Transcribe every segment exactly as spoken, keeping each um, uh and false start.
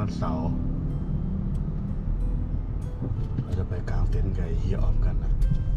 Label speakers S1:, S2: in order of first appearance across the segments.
S1: วันเสาร์เราจะไปกางเต็นท์กับเฮียออมกันนะ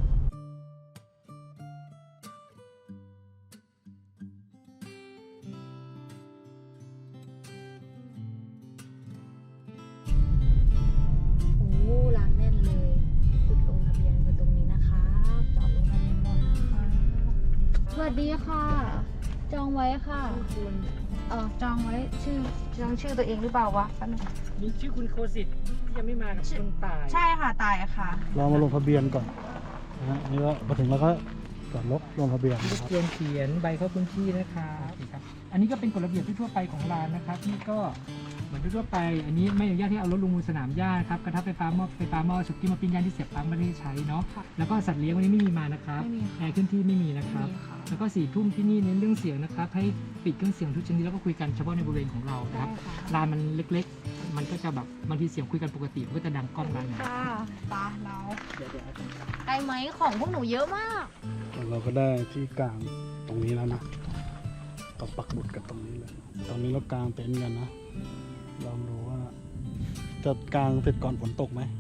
S2: โอ้ร้านแน่นเลยจุดลงทะเบียนคือตรงนี้นะคะจอดลงทะเบียนก่อนนะคะสวัสดีค่ะจองไว้ค่ะคุณเออจองไว้ชื่อจองชื่อตัวเองหรือเปล่าวะแป๊บนึง
S3: มีชื่อคุณโคสิตที่ยังไม่มากับคุณตาย
S2: ใช่ค่ะตายค่ะ
S1: เรามาลงทะเบียนก่อนนะฮะนี่ก็มาถึงแล้วก็จอดรถลงทะเบียน
S3: ร
S1: นะ
S3: บ
S1: ครับ
S3: กวนเขียนใบเข้าพื้นที่นะครับครับอันนี้ก็เป็นกฎระเบียบทั่วไปของร้านนะครับที่ก็เหมือนทั่วไปอันนี้ไม่อนุญาตที่เอารถลงมูลสนามหญ้าครับกระทะไฟฟ้าหม้อไฟฟ้าหม้อสุกี้มาปิ้งย่างที่เสียบปลั๊กไม่ได้ใช้เนาะแล้วก็สัตว์เลี้ยงวันนี้ไม่มีมานะครับ
S2: ไม่มีค่ะ
S3: แอร์ขึ้นที่ไม่มีนะครับ
S2: ไม่มีค่ะ
S3: แล้วก็สี่ทุ่มที่นี่เน้นเรื่องเสียงนะครับให้ปิดเครื่องเสียงทุกชนิดแล้วก็คุยกันเฉพาะในบริเวณของเรานะครับ
S2: ได้ค่ะ
S3: ร้านมันเล็กๆ มันก็จะแบบบางทีเสียงคุยกันปกติมันก็จะดังก้องร้านนะ
S2: ค่ะปาเรา
S3: เดี๋ยวเดี๋ยวเอาตรงกลาง
S2: ไกลไหมของพวกหนูเยอะมาก
S1: เราก็ได้ที่กลางตรงนี้แล้วนะต้องปักหมุดกันตรงนี้เลยตรงนี้เรากางเต็นท์กันนะลองดูว่าจะกางเสร็จก่อนฝนตกไหม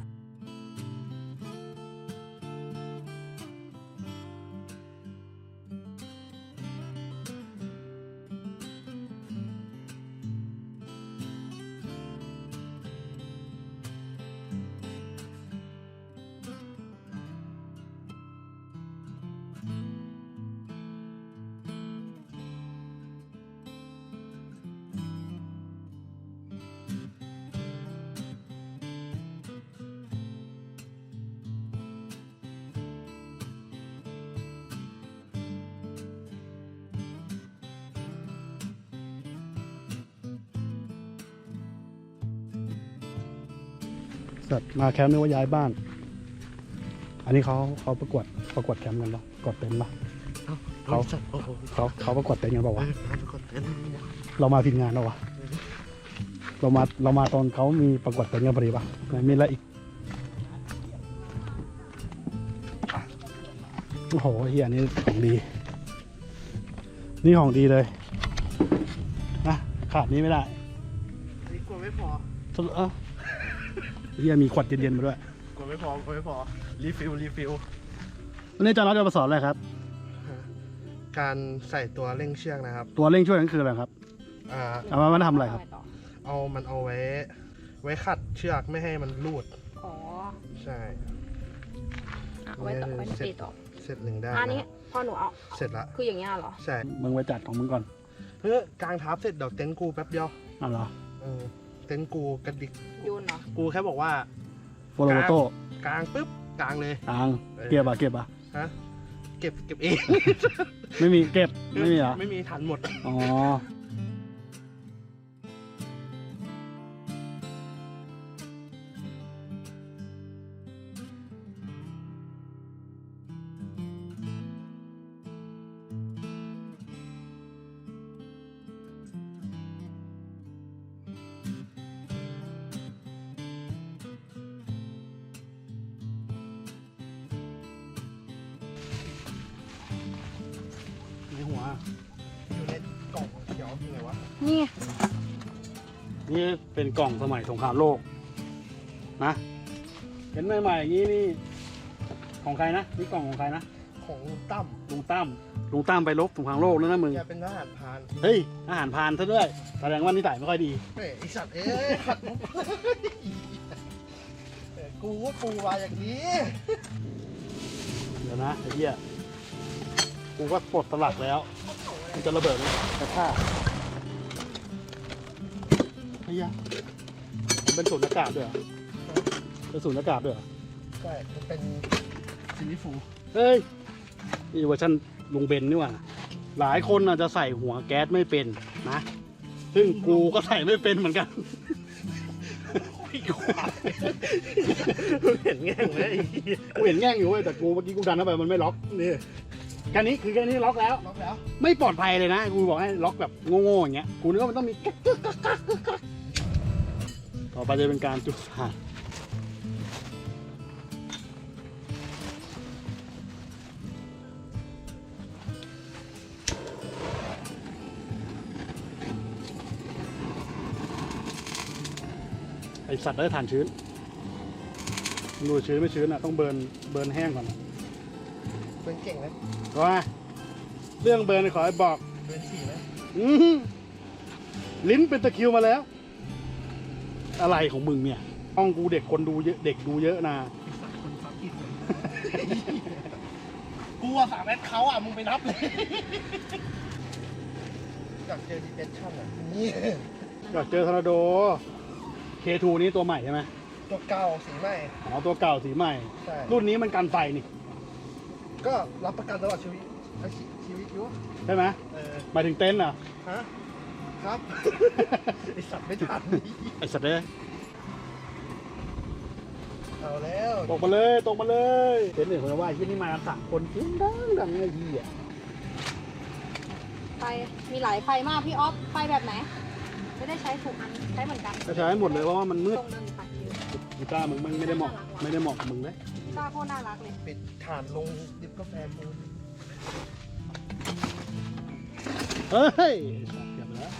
S1: สัตว์มาแคมป์นึกว่าย้ายบ้าน อันนี้เขาเขาประกวดประกวดแคมป์กันปะประกวดเต็นท์ปะเขาเขาเขาประกวดเต็นท์กันเปล่าวะเรามาผิดงานแล้ววะเรามาเรามาตอนเขามีประกวดเต็นท์กันพอดีปะไหนมีอะไรอีกโอ้โหเฮียนี่ของดี นี่ของดีเลยนะขาดนี้ไม่ได้
S4: นี่กลัวไม่พอ
S1: สรุปเอ้าเฮียมีขวดเย็นๆมาด้วย
S4: กลัวไม่พอกลัวไม่พอ รีฟิล รีฟิล
S1: วันนี้อาจารย์น็อตจะมาสอนอะไรครับ
S4: การใส่ตัวเร่งเชือกนะครับ
S1: ตัวเร่งช่วยนั่นคืออะไรครับ
S4: อ่า
S1: เอามามาทำอะไรครับ
S4: เอามันเอาไว้ ไว้ขัดเชือกไม่ให้มันรูด
S2: อ๋อ
S4: ใช่
S2: อ่ะเอาไว้ต่อไว้ตีต่อ
S4: เสร็จหนึ่งได้
S2: อันนี้
S4: นะครับ
S2: พอหนูเอา
S4: เสร็จละ
S2: คืออย่างเงี้ยเหรอ
S4: ใช่
S1: มึงไปจัดของมึงก่อน
S4: เพื่อกางทับเสร็จเดี๋ยวเต็นท์กูแป๊บเดียว
S1: อ่ะเหรอ
S4: เออเต็นท์กูกระดิก
S2: โยนเหรอ
S4: กูแค่บอกว่า
S1: โฟโลโมโต้
S4: กางปุ๊บ กางเลย
S1: ตังเก็บอ่ะเก็บอ่ะ
S4: ฮะ เก็บ เก็บเอง
S1: ไม่มีเก็บ ไม่มีเหรอ
S4: ไม่มีทันหมด
S1: อ๋อ ในหัว
S4: อยู่ในกล่องเขียวยังไงวะ
S2: นี่ไง
S1: นี่เป็นกล่องสมัยสงครามโลก นะ เห็นใหม่ๆอย่างนี้นี่ ของใครนะ นี่กล่องของใครนะ
S4: ของลุงตั้ม
S1: ลุงตั้ม ลุงตั้มไปรบสงครามโลกแล้วนะมึง
S4: แกเป็นทหารพราน
S1: เฮ้ย อาหารพรานซะด้วย แสดงว่านิสัยไม่ค่อยดี
S4: เฮ้ยไอสัตว์เอ้ยขัดมุกเอ้ยกูว่าปูมาอย่างนี้
S1: เดี๋ยวนะไอ้เหี้ย กูก็ปลดสลักแล้ว มันจะระเบิดไหมกระชากไอ้เหี้ยมันเป็นสูญญากาศด้วยเหรอเป็นสูญญากาศด้วยเหรอ
S4: ใช่มันเป็นซิลิฟู
S1: เฮ้ย นี่เวอร์ชันลุงเบนนี่หว่า หลายคนอาจจะใส่หัวแก๊สไม่เป็นนะ ซึ่งกูก็ใส่ไม่เป็นเหมือนกัน
S4: เห็นแง่งไหมไอ้เหี้ย
S1: กูเห็นแง่งอยู่เว้ยแต่กูเมื่อกี้กูดันเข้าไปมันไม่ล็อก นี่แค่นี้คือแค่นี้ล็อกแล้ว
S4: ล็อกแล้ว
S1: ไม่ปลอดภัยเลยนะ กูบอกให้ล็อกแบบโง่ๆอย่างเงี้ย กูนึกว่ามันต้องมีกักกักกักกักกักต่อไปจะเป็นการจุดถ่านอสัตว์ได้ฐานชื้นดูชื้นไม่ชื้นอ่ะต้องเบิร์นเบิร์นแห้งก่อน
S4: เป็นเก่งไหม
S1: ว่าเรื่องเบิร์นขอให้บอก
S4: เป็นสี่ไหม
S1: อื้อหือลิ้นเป็นตะคริวมาแล้ว อะไรของมึงเนี่ยห้องกูเด็กคนดูเยอะเด็กดูเยอะนะ
S4: คนฟักอีกเลยกูว่าสามแอดเขาอ่ะมึงไปนับเลยอยากเจอดีเจชั่นอ่ะนี่
S1: อยากเจอทอร์นาโด เค ทู นี้ตัวใหม่ใช่ไหม
S4: ตัวเก่าสีใหม่
S1: อ๋อตัวเก่าสีใหม่
S4: ใช่
S1: รุ่นนี้มันกันไฟนี่
S4: ก็รับประกันตลอดชีวิตชีวิตอยู่
S1: ใช่ไหม
S4: เออ
S1: หมายถึงเต็นท์เหรอ
S4: ฮะครับ ไอสัตว์ไม่ทัน
S1: ไอสัตว์เลย
S4: เอาแล้ว
S1: ตกมาเลยตกมาเลยเต็นท์เนี่ยคนว่าที่นี่มากันสามคนจริงดังดังไอ้ยี่อ่ะ
S2: ไฟมีหลายไฟมากพี่ออฟไฟแบบไหน ไม่ได้ใช้ถูกอันใช้เหมือนกัน
S1: ก็ใช้หมดเลยเพราะว่ามันมืด
S2: ตรงนั้นปัดเยอะ
S1: กีตาร์มึงมันไม่ได้เหมาะไม่ได้เหมาะกับมึงเลย
S2: ตาโคตรน่ารักเลย
S4: ปิดฐานลงดิบกาแฟมูน
S1: เฮ้ยเก็บไปแล้ว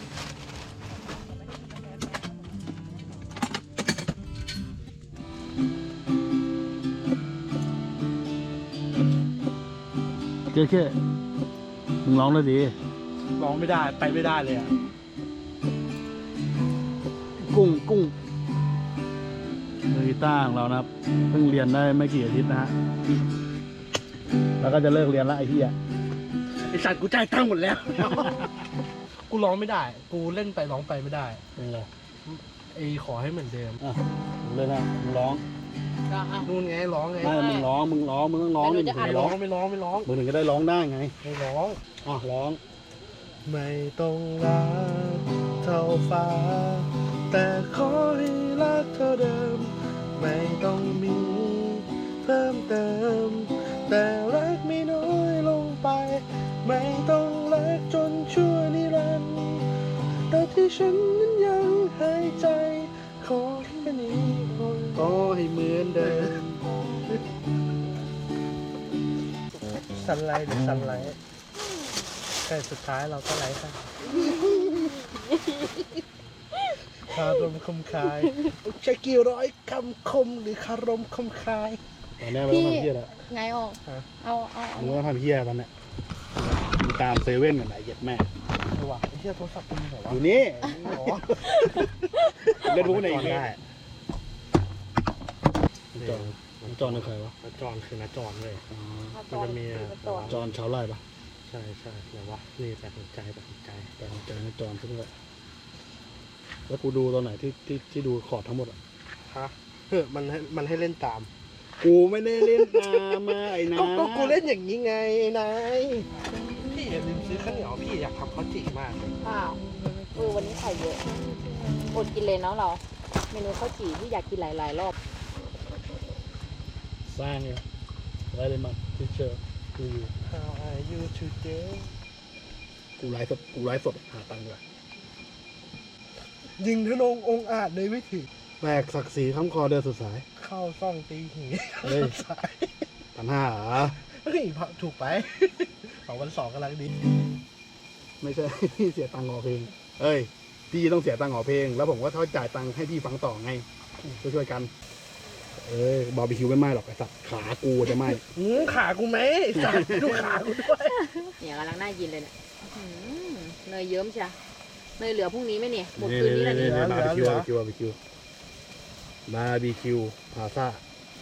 S1: เจ๊เจ๊มึงร้องเลยดิ
S4: ร้องไม่ได้ไปไม่ได้เลยอ่ะ
S1: กุ้งกุ้งมือกีตาร์ของเรานะครับเพิ่งเรียนได้ไม่กี่อาทิตย์นะฮะแล้วก็จะเลิกเรียนละไอ้ที่อ่ะ
S4: ไอสัตว์กูจ่ายตังค์หมดแล้ว กูร้องไม่ได้ กูเล่นไปร้องไปไม่ได้
S1: เป็นไง
S4: ไอขอให้เหมือนเดิม
S1: อ่ะมึงเลยนะมึงร้อง
S4: นู่นไงร้องไง
S1: ไม่มึงร้องมึงร้องมึงต้องร้องดิมึงถึง
S4: ไม่
S1: จะ
S4: ร้
S1: ร้
S4: อ
S1: อง ง
S4: ไม่ร้องไม่ร้อง
S1: มึงถึงจะได้ร้องได้ไง
S4: ไม่ร้อง
S1: อ่ะร้อง
S4: ไม่ต้องรักเท่าฟ้า แต่ขอให้รักเท่าเดิม ไม่ต้องมีเพิ่มเติม แต่รักไม่น้อยลงไป ไม่ต้องรักจนชั่วนิรันดร์แต่ที่ฉันนั้นยังหายใจ ขอแค่นี้ขอให้เหมือนเดิมสันไลหรือสันไลแต่สุดท้ายเราก็ไลฟ์ค่ะคารมคมคายใช้กี่ร้อยคำคมหรือคารมคมคาย
S1: ตอนนี้ไม่ต้องทำเพี้ยแล้ว
S2: ไงออก
S4: ฮะ
S2: เอาเอาเอา
S1: มึงไม่ต้องทำเพี้ยตอนเนี้ยมึงตามเซเว่นกันไหนเย็ดแม่
S4: เออว่ะไอ้เหี้ยโทรศัพท์มึงเหรอ
S1: อ
S4: วะ
S1: ยู่นี่
S4: อ๋อ
S1: เล่นพวกไหน
S4: จ
S1: อี
S4: อก น
S1: เนี่
S4: ได้
S1: ยจอนจอนเป็นใครวะ
S4: นาจอนคือนาจอนเลย
S1: อ๋อ
S4: มันจะมี
S1: จอนชาวไร่ปะ
S4: ใช่ใช่แต่ว่านี่แต่หัวใจแต่หัวใจ
S1: แต่เจอนะจอนซึ่งเลยแล้วกูดูตอนไหนที่ที่ที่ดูคอร์ดทั้งหมดอ่ะ
S4: ฮะเฮ้ยมันให้มันให้เล่นตาม
S1: กูไม่ได้เล่นตามมาไอ้นะ
S4: ก็ก็กูเล่นอย่างนี้ไงนายพี่อย่าลืมซื้อข้าวเหนียวพี่อยากทำข้าวจี่มากเลย
S2: อ้าวเออวันนี้ไข่เยอะอดกินเลยเนาะเรา เมนูข้าวจี่ที่อยากกินหลายๆรอบ
S1: สร้างเนี่ยอะไรเลยมาที่เจอกูอยู่
S4: How are you today
S1: กูไลฟ์สดกูไลฟ์สดหาตังค์ด้วย
S4: ยิงทะนงองค์อาจเลยไม่ถึง
S1: แบกศักดิ์ศรีค้ำคอเดินสุดสาย
S4: เข้าซ่องตีหี
S1: เฮ้ย
S4: สาย
S1: พันห้าเหรอ
S4: เฮ้ยถูกไป สองวันสองกำลังดี
S1: ไม่ใช่ พี่เสียตังค์ออกเพลง เอ้ย พี่ต้องเสียตังค์ออกเพลง แล้วผมก็เขาจ่ายตังค์ให้พี่ฟังต่อไง ช่วยๆกัน เอ้ยบาร์บีคิวไม่ไหม้หรอกไอ้สัตว์ขากูจะไหม้
S4: อืมขากูไหมไอ้สัตว์ดูขากูด้วย
S2: เนี่ยกำลังน่ากินเลยเนี่ยอื้อหือเนยเยิ้มใช่เนยเหลือพรุ่งนี้ไหมเนี่ยหมด
S1: นี่
S2: คืนนี้แล้ว
S1: นี่
S2: นี่
S1: นี่บาร์บีคิวบาร์บีคิวบาร์บีคิวบาร์บีคิวพาซ่า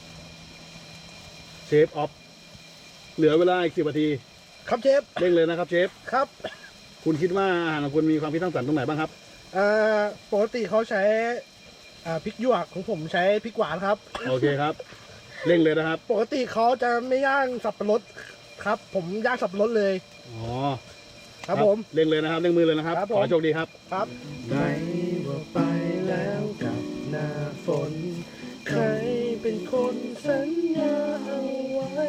S1: เชฟออฟเหลือเวลาอีกสิบนาที
S4: ครับเชฟ
S1: เร่งเลยนะครับเชฟ
S4: ครับ
S1: คุณคิดว่าอาหารของคุณมีความคิดสร้างสรรค์ตรงไหนบ้างครับ
S4: อ่าปกติเขาใช้อ่าพริกหยวกของผมใช้พริกหวานครับ
S1: โอเคครับ เร่งเลยนะครับ
S4: ปกติเขาจะไม่ย่างสับปะรดครับ ผมย่างสับปะรดเลย
S1: อ๋อ
S4: ครับผม
S1: เร่งเลยนะครับเร่งมือเลยนะครับ
S4: ครับผม
S1: ขอให้โชคดีครับ
S4: ครับไหนว่าไปแล้วกับหน้าฝน ใครเป็นคนสัญญาเอาไว้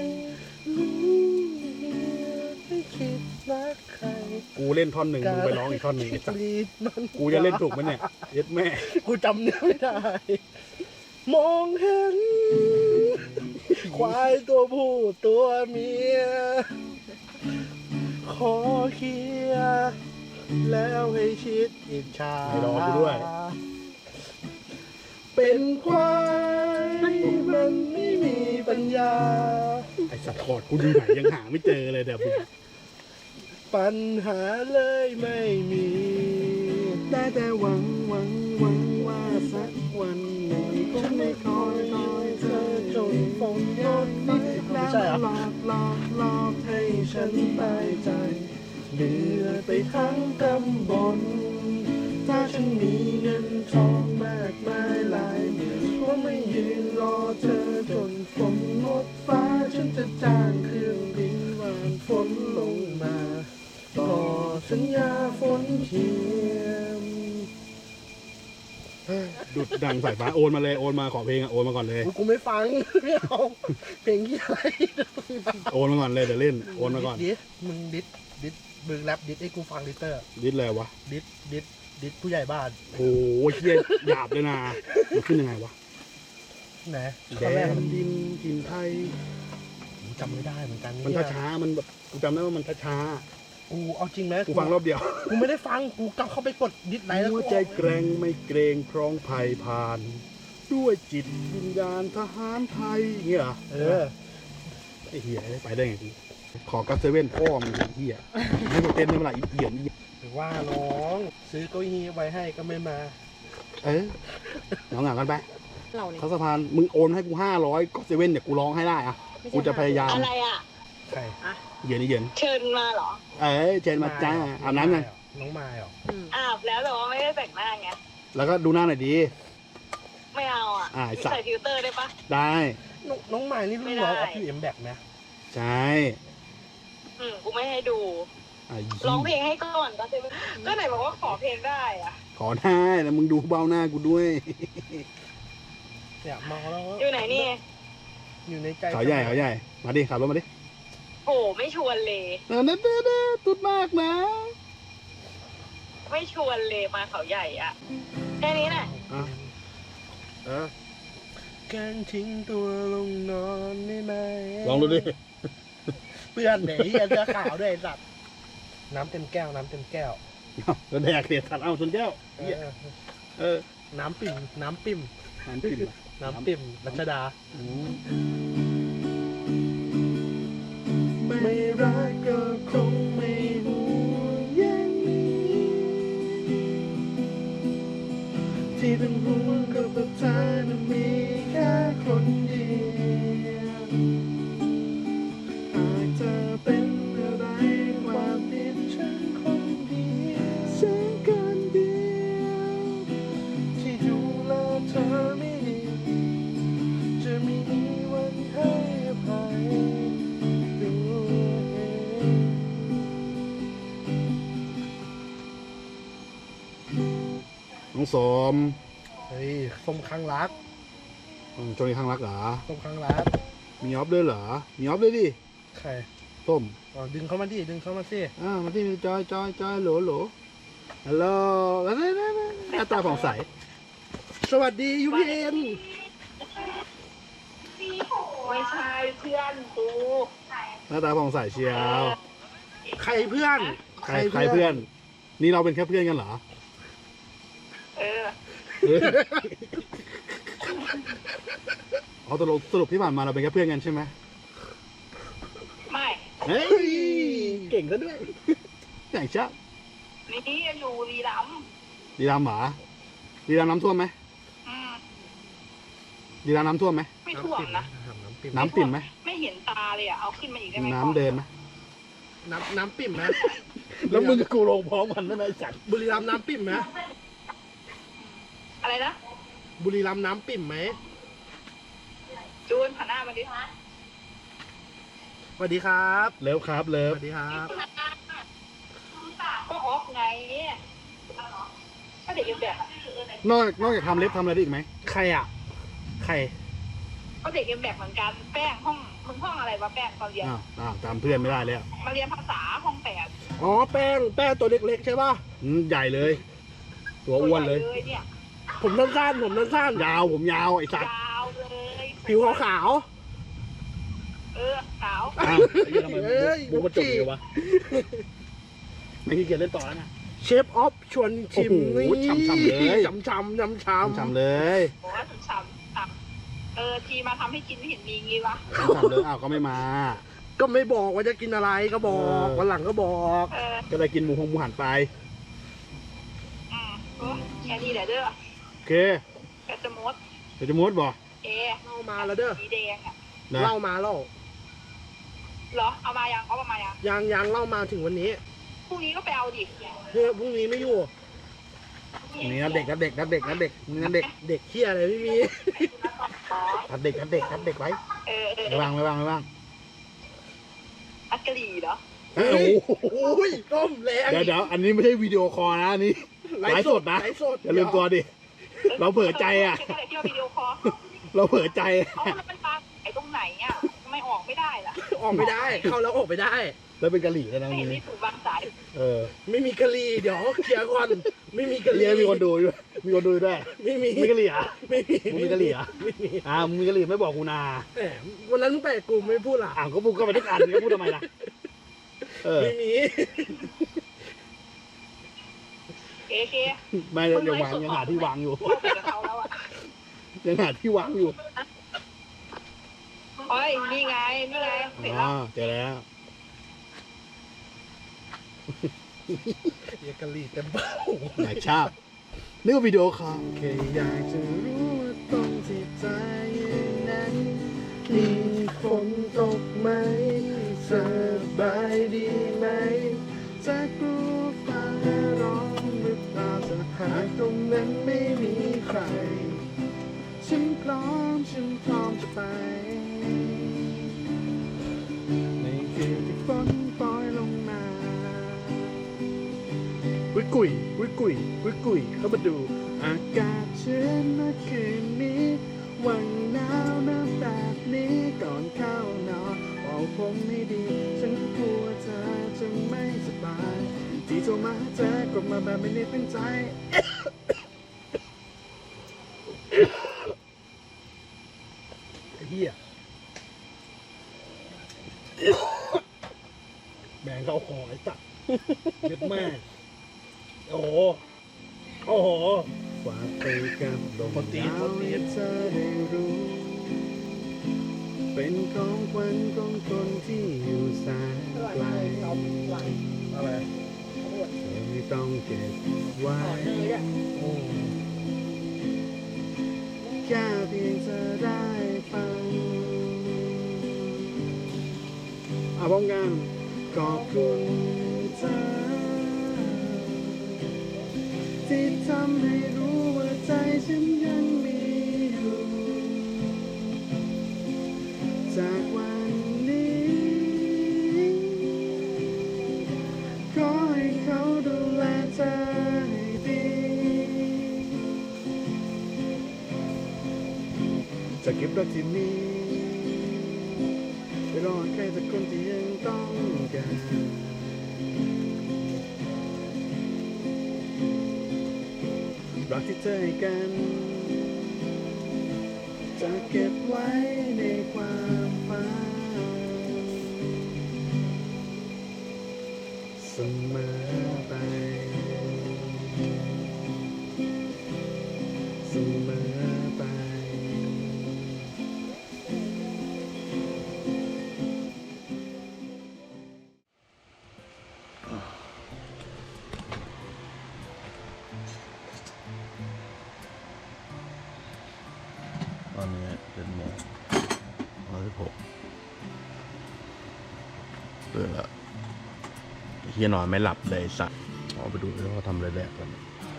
S4: ไม่คิดรักใคร
S1: กูเล่นท่อนหนึ่งมึงไปร้องอีกท่อนหนึ่งไอ้สัส
S4: รีดมัน
S1: กูจะเล่นถูกไหมเนี่ยเย็ดแม่
S4: กูจำเนื้อไม่ได้ มองเห็น ควายตัวผู้ตัวเมีย ขอเคลียร์แล้วให้ชิดอิจฉา
S1: ให้รอกูด้วย
S4: เป็นควายมันไม่มีปัญญา
S1: ไอสัตว์คอร์ดกูอยู่ไหนยังหาไม่เจอเลยเดี๋ยวมึง
S4: ปัญหาเลยไม่มีได้แต่หวังหวังหวังว่าสักวันหนึ่งฉันไม่คอยคอยเธอจนฝนหยดนี้แล้วหลอกหลอกหลอกให้ฉันตายใจเหนื่อยไปทั้งตำบลถ้าฉันมีเงินทองมากมายหลายหมื่นก็ไม่ยืนรอเธอจนฝนหมดฟ้าฉันจะจ้างเครื่องบินวานฝนลงมาต่อสัญญาฝนเทียม
S1: ดุดดังสายฟ้าโอนมาเลยโอนมาขอเพลงอะโอนมาก่อนเลย
S4: กูไม่ฟัง ไม่เอาเพลงที่อะไร
S1: โอนมาก่อนเลยเดี๋ยวเล่นโอนมาก่อน
S4: ดิสมึงดิสดิสมึงแรปดิสให้กูฟังดิเตอร์
S1: ดิสเลยวะ
S4: ดิสดิสดิสผู้ใหญ่บ้าน
S1: โอ้ยเฮียหยาบเลยนะมันขึ้นยังไงวะ
S4: ไหน
S1: แด
S4: ตอนแรก
S1: น
S4: มัน
S1: ดินกินไทย
S4: ผมจำไม่ได้เหมือนกัน
S1: มัน
S4: เนี่ย
S1: ช้าๆมันแบบกูจำได้ว่ามันช้า
S4: กูเอาจริงไหม
S1: ๆกูฟังรอบเดียว
S4: กูไม่ได้ฟังกูกลับเข้าไปกดดิสไลน์แล้ว
S1: หัว
S4: กู
S1: ใจแกร่งไม่เกรงพร้องภัยผ่าน ด้วยจิตวิญญาณทหารไทยเงี้ยเหรอ
S4: เออ
S1: ไอ้เหี้ยไปได้ไงกูขอกัสเซเว่นพ่อมึงไอ้เหี้ยให้กูเต้นได้เมื่อไหร่อีเหี้ยนี่
S4: หรือว่าน้องซื้อเก้าอี้ไว้ให้ก็ไม่มา
S1: เออเหงาเหงากันไป
S2: เราเนี่ย
S1: ทัศพานมึงโอนให้กูห้าร้อยก็เซเว่นเดี๋ยวกูร้องให้ได้อะกูจะพยายาม
S5: อะไรอ่ะ
S4: ใคร
S1: เย็นนี่เย็น
S5: เชิญมาเหรอ
S1: เอ้ยเจนมาจ้าอาบน้ำยัง
S4: น้องมายเหรอ
S5: อาบแล้วแต่ว่าไม่ได้แต่งหน้าไง
S1: แล้วก็ดูหน้าหน่อยดี
S5: ไม่เอาอ่ะ
S1: อ่าไอ้สัตว์
S5: ใส่ฟิลเตอร์ได้ปะ
S1: ได้
S4: น้องน้องมายนี่รุ่นน้องออฟยูเอ็มแบกไหม
S1: ใช่
S5: อืมกูไม่ให้ดู
S1: ไอ้
S5: ร้องเพลงให้ก่อนก็จะก็ไหนบอกว่าขอเพลงได้อ่ะ
S1: ขอได้แต่มึงดูเบ้าหน้ากูด้วย
S4: เนี่ยเมาแล้ว
S5: อยู่ไหนนี่
S4: อยู่ในใจ
S1: เขาใหญ่เขาใหญ่ มาดิขับรถมาดิ
S5: โหไม่ชวนเลย
S1: เออนั่นเด้อเด้อตุดมากนะ
S5: ไม่ชวนเลยมาเขาใหญ่อ่ะแค่นี้น่ะ
S1: อ่ะเออ
S4: การทิ้งตัวลงนอนได้ไหม
S1: ลองดูดิ
S4: เพื่อนไหนเหี้ยเสื้อขาวด้วยไอ้สัตว์น้ำเต็มแก้วน้ำเต็มแก้ว
S1: ก็แดกเสียทันเอาชนแก้ว
S4: เอ
S1: เหี้ย
S4: อ
S1: เออ
S4: น้ำปิ่มน้ำปิ่ม
S1: น้ำปิ่มอะ
S4: น้ำปิ่มรัชดา
S1: อืม
S4: ไม่รักก็คงไม่ห่วงใยที่เป็นห่วงก็เพราะเธอนั้นมีแค่คนเดียวหากเธอเป็นอะไรความผิดฉันคนเดียวเสียกันเดียวที่ดูแลเธอไม่ดีจะไม่มีวันให้อภัย
S1: น้องสม
S4: เฮ้ยส้มข้างรัก
S1: อืมช่วงนี้ข้างรักเหรอ
S4: ส้มข้างรัก
S1: มีออฟด้วยเหรอ มีออฟด้วยดิ
S4: ใคร
S1: ส้ม
S4: อ๋อดึงเข้ามาดิดึงเข้ามาสิ
S1: อ่ามาที่จอยจอยจอยโหลโหลฮัลโหลแล้วนี่นี่นี่หน้าตาผ่องใส
S4: สวัสดียูพีเอ็น
S5: ไม่ใช่เพื่อนกู
S1: หน้าตาผ่องใสเชียว
S4: ใครเพื่อน
S1: ใครใครเพื่อน นี่เราเป็นแค่เพื่อนกันเหรอ
S5: เออ
S1: เออเอาตกลงสรุปที่ผ่านมาเราเป็นแค่เพื่อนกันใช่ไหม
S5: ไม่
S1: เฮ้ยเก่งซะด้วยอย่างชอบ
S5: นี่อยู่รีรัมย์
S1: ดีรามหมาดีรามน้ำท่วมไหม
S5: อืม
S1: ดีรามน้ำท่วมไหม
S5: ไม่ท่วมนะ
S4: น้ำปิ่ม
S1: น้ำปิ่มไหม
S5: ไม่เห็นตาเลยอ่ะเอาขึ้นมาอีกได้ไหม
S1: น้ำเดินไหม
S4: น้ำน้ำปิ่มนะ
S1: แล้วมึงกับกูลงพร้อมกันนั่นไอ้สัตว์
S4: บุรีรัมย์น้ำปิ่มนะ
S5: อะไรนะ
S4: บุรีรัมย์น้ำปิ่มไหม
S5: จูนผ่านหน้ามาดิ
S4: สวัสดีครับ
S1: เลิฟครับเลิ
S4: ส
S1: ฟ
S4: วัสดีครับ
S5: ก็ออฟไงก็เด็กเอ็มแบบ
S1: นอกนอกจากทำเล็บทำอะไรได้อีกไหม
S4: ใครอ่ะ ใคร
S5: ก็เด็กเอ็มแบบเหมือนกันแป้งห้องมึงห้องอะไรวะแป้งตอนเรียน
S1: อ้าวอ้าวจำเพื่อนไม่ได้แล้ว
S5: มาเรียนภาษาห้องแปด
S4: อ๋อแป้งแป้งตัวเล็กๆใช่ป่ะ
S1: อืมใหญ่เลย ตัวอ้วนเลย
S5: ตัวใหญ่เนี่ย
S4: ผมสั้นๆผมสั้น
S1: ยาวผมยาวไอ้สัตว์
S5: ยาวเลย
S4: ๆผิวขาว
S5: เออขาว
S1: อ้าวไอ้เหี้ยทำไม
S4: เอ้ย
S1: บุกมาจบเลยวะไม่ขี้เกียจเล่นต่อแล้วนะ
S4: ๆเชฟออฟชวนชิม
S1: โอ้โหฉ่ำๆเลย
S4: ฉ่ำฉ่ำฉ่ำฉ่ำ
S1: ฉ่ำๆเลย
S5: บอกว่าถึงสามสามเออทีมาทำให้กินไม่เห็นมีงี้วะ
S1: ฉ่ำๆเลยอ้าวก็ไม่มา
S4: ก็ไม่บอกว่าจะกินอะไรก็บอก
S1: เออ
S4: วันหลังก็บอก
S5: เออ
S1: ก็เลยกินหมูหงหมูหันไป
S5: อืมโอ้แค่นี้แหละเด้อ
S1: โอเค
S5: กระจะมด
S1: เดี๋ยวจะมุดบ่
S5: เอ
S4: เล่ามาแล้วเด้อ
S5: สีแดงอ่ะ
S1: นะ
S4: เล่ามาเล่า
S5: เหรอเอามายังเอามายัง
S4: ยังยังเล่ามาถึงวันนี้
S5: พรุ่งนี้ก็ไปเอาดิ
S4: เฮ้ยพรุ่งนี้ไม่อยู่
S1: นี่นะเด็กนะเด็กนะเด็กนะเด็กนี่นะเด็ก
S4: เด็กเที่ยอะไรไม่มี
S5: อ๋อ
S1: ทัดเด็กทัดเด็กทัดเด็กไว้
S5: เออเออ
S1: ไม่วางไม่วางไม่วาง
S5: อัดกะหรี่เหรอ
S1: เอ้ยโอ้โห
S4: โอ้ยต้มแรง
S1: เดี๋ยวเดี๋ยวอันนี้ไม่ใช่วิดีโอคอลนะอันนี้ ไลฟ์สดนะ
S4: ไลฟ์สด
S1: อย่าลืมตัวดิ เราเผลอใจอะ
S5: เก็บอะไรที่ว่าวิดีโอคอล
S1: เราเผลอใจ
S5: เอาแล้วมันปลาไอ้ตรงไหนอ่ะทำไม่ออกไม่ได้ล่ะ
S4: ออกไม่ได้ เข้าแล้วออกไม่ได้
S1: แล้วเป็นกะหรี่แล้วนะ
S5: ไม่เห็น
S1: วัน
S5: มี
S1: นี้
S5: ถูกวางสาย
S1: เออ
S4: ไม่มีกะหรี่เดี๋ยวเคลียร์ก่อนไม่มีกะห
S1: เรี
S4: รี่
S1: ยมีคนดูด้วยมีคนดูด้วย
S4: ไม่มี
S1: มีกะหรี่เหรอ่ะ
S4: ไม่มี
S1: มึงมีกะหรี่เหรอ่ะ
S4: ไม่มี
S1: อ่ามึงมีกะหรี่ไม่บอกกูนา
S4: แหมวันนั้นมึงไปกับกูไม่พูดล่ะ
S1: อ่าก็พูดก็ไปทุกอันก็พูดทำไมล่ะเออ
S4: ไม่มี
S5: เอเค
S1: ไม่ยังวางยังหาที่วางอยู่
S5: เข้าไปกับเขาแล้วอ่ะ
S1: ยังหาที่วางอยู่
S5: เฮ้ยนี่ไงนี่ไงเสร็จ
S1: อ๋
S5: แล้
S1: อ
S5: ว
S1: เจอแล้ว
S4: เรียกกะหรี่เต็มเบ้า
S1: ไหนชอบนึกว่าวิดีโอคอล
S4: แค่อยากจะรู้ว่าตรงที่ใจนั้นมีฝนตกไหมสบายดีไหมจะกลัวฟ้าร้องหรือเปล่าถ้าหากตรงนั้นไม่มีใคร ฉันพร้อมฉันพร้อมจะไปในคืนที่ฝนปล่อยลงมาวิกุยวิกุยวิกุยเข้ามาดูอากาศชื้นเมื่อคืนนี้วันหนาวหนาวแบบนี้ก่อนเข้านอนบอกผมไม่ดี ฉันกลัวเธอจะไม่สบาย ที่โทรมาหาเธอกดมาแบบไม่ได้ตั้งใจ เฮียแบ่งเข้าคอไอ้สัตว์เย็ดแม่โอ้โหโอ้โหฝากไปกับลมหนาวให้เธอได้รู้ เป็นของขวัญของคนที่อยู่แสนไกลอะไรไม่ต้องเก็บไว้แค่เพียงเธอได้ฟังอาพร้อมกันขอบคุณเธอที่ทำให้รู้ว่าใจฉันยังมีอยู่จากวันนี้ขอให้เขาดูแลเธอให้ดีจะเก็บรักที่มีไปรอใครสักคนที่ยังต้องการรักที่เธอให้กันจะเก็บไว้ในความฝันเสมอไปเสมอไปตอนนี้เป็นโมงร้อยสิบหกเปิดแล้วเฮียนอนไม่หลับเลยสัตว์เอาไปดูว่าเขาทำอะไรแรกกัน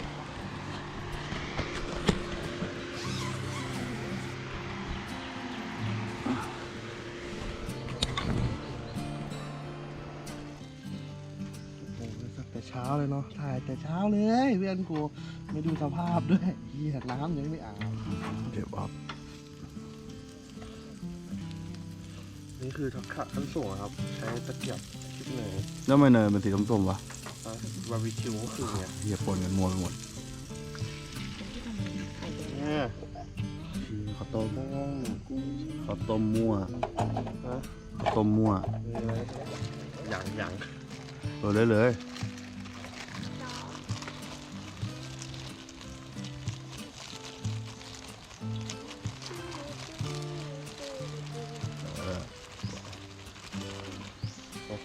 S4: แต่เช้าเลยเนาะถ่ายแต่เช้าเลยเพื่อนกูไม่ดูสภาพด้วยเฮียน้ำยังไม่อาบเดี๋ยวบอกนี่คือทักษะขั้นสูงครับใช้ตะเกียบคิดเนย
S1: แล้วทำไมเนยเป็นสีส้มๆวะ
S4: บาร์บีคิวก็คือไง
S1: เฮียปนกันมัวไปหมด
S4: เนี่ย
S1: คือข้าวต้มข้าวต้มมั่ว
S4: ฮะ
S1: ข้าวต้มมั่ว
S4: อย่างอย่าง
S1: เออเลยเลย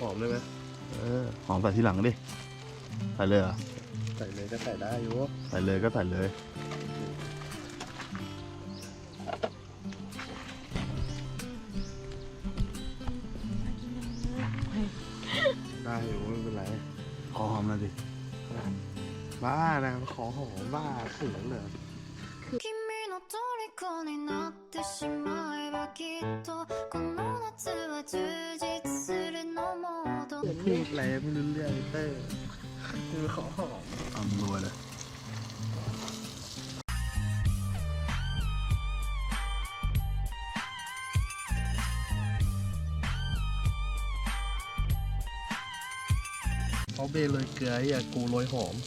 S4: อมได้ไหม
S1: เออหอมใส่ทีหลังดิใส่เลยเหรอ
S4: ใส่เลยก็ใส่ได้อยู่
S1: ใส่เลยก็ใส่เลย
S4: ได้อยู่ไม่เป็นไร
S1: ขอหอมหน่อยดิ
S4: บ้านะขอหอมบ้าเขินเลย
S6: 君の虜になってしまえばきっとこの夏は充実するのもど
S4: พูดอะไรไม่รู้เรื่องเต้คือขอหอม
S1: เอามือไว้เลย
S4: เขาเบเลยเกลืออย่ากูโรยหอม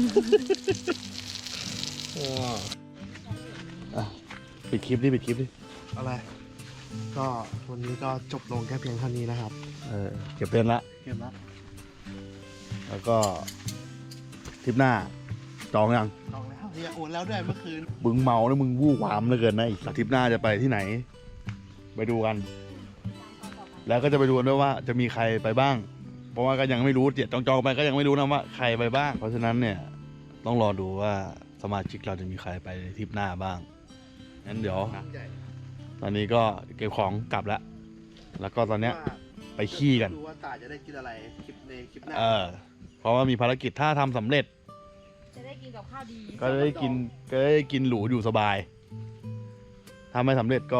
S4: ว้า
S1: อ่ะปิดคลิปดิปิดคลิปดิ
S4: อะไร ก็วันนี้ก็จบลงแค่เพียงเท่านี้นะครับ
S1: เออเก็บเตือนละ
S4: เกมละ
S1: แล้วก็ทริปหน้าจองยัง
S4: ลองแล้วเนี่ยโอนแล้วด้วยเมื่อคืน
S1: มึงเมาแล้วมึงวู่วามเหลือเกินนะอีกทริปหน้าจะไปที่ไหน ไปดูกัน แล้วก็จะไปดูกันด้วยว่าจะมีใครไปบ้าง เพราะว่าก็ยังไม่รู้เจ็ดจองๆไปก็ยังไม่รู้นะว่าใครไปบ้าง เพราะฉะนั้นเนี่ยต้องรอดูว่าสมาชิกเราจะมีใครไปทริปหน้าบ้างงั้นเดี๋ยว
S4: ใหญ่
S1: ตอนนี้ก็เก็บของกลับแล้ว แล้วก็ตอนเนี้ยไปขี้กัน
S4: ดูว่าตาจะได้กินอะไรคลิปในคลิปหน้า
S1: เออ เพราะว่ามีภารกิจถ้าทำสำเร็จ
S2: จะได้กินกับข้าวดี
S1: ก็ได้กินก็ได้กินหรูอยู่สบาย ถ้าไม่สำเร็จก็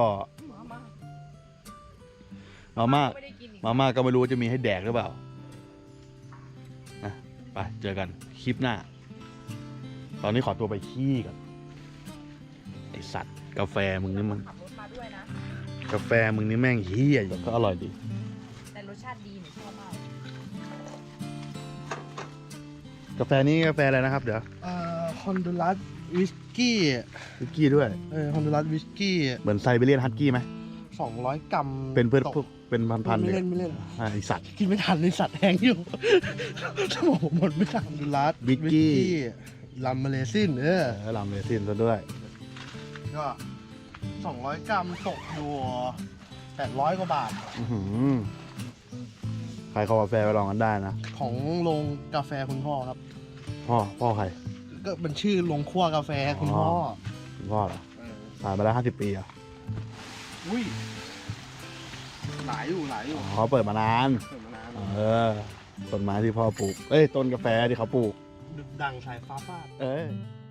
S1: มาม่า
S2: ไม่ได้กินอีก
S1: มาม่าก็ไม่รู้ว่าจะมีให้แดกหรือเปล่านะไปเจอกันคลิปหน้า ตอนนี้ขอตัวไปขี้ก่อนไอสัตว์กาแฟมึงนี่มัน
S2: ขับรถมาด้วยนะ
S1: กาแฟมึงนี่แม่งเฮี้ยแต่ก็อร่อยดี
S2: แต่รสชาติดีหนูชอบมาก
S1: กาแฟนี้กาแฟอะไรนะครับ เดี๋ยว
S4: เอ่อฮอนดูรัสวิสกี้
S1: วิสกี้ด้วย
S4: เออฮอนดูรัสวิสกี้
S1: เหมือนไซบีเรียนฮัสกี้ไหม
S4: สองร้อยกรัม
S1: เป็นเพื่อน
S4: ตก
S1: พวกเป็นพันๆ
S4: ไม่
S1: เลย
S4: เล่นไม่เล่น
S1: อ่ะไอสัตว์
S4: กินไม่ทันเลยสัตว์แห้งอยู่ สมองหมดไม่ทันดูรัส
S1: วิสกี้
S4: ลัมเมเลซินเออ
S1: เออลำเลซินซะด้วย
S4: ก็สองร้อยกรัมตกอยู่แปดร้อยกว่าบาท
S1: อื้อหือใครเขากาแฟไปลองกันได้นะ
S4: ของโรงกาแฟคุณพ่อครับ
S1: พ่อพ่อใคร
S4: ก็มันชื่อโรงคั่วกาแฟคุณพ่อ
S1: คุณพ่อเหรอ
S4: เออ
S1: ผ่านมาแล้วห้าสิบปีอ่ะ
S4: อุ้ยหลายอยู่หลายอยู่
S1: อ๋อเขาเปิดมานาน
S4: เปิดมานาน
S1: เออ ต้นไม้ที่พ่อปลูก เอ้ย ต้นกาแฟที่เขาปลูก
S4: ดึกดังสายฟ้าฟาด
S1: เอ้ย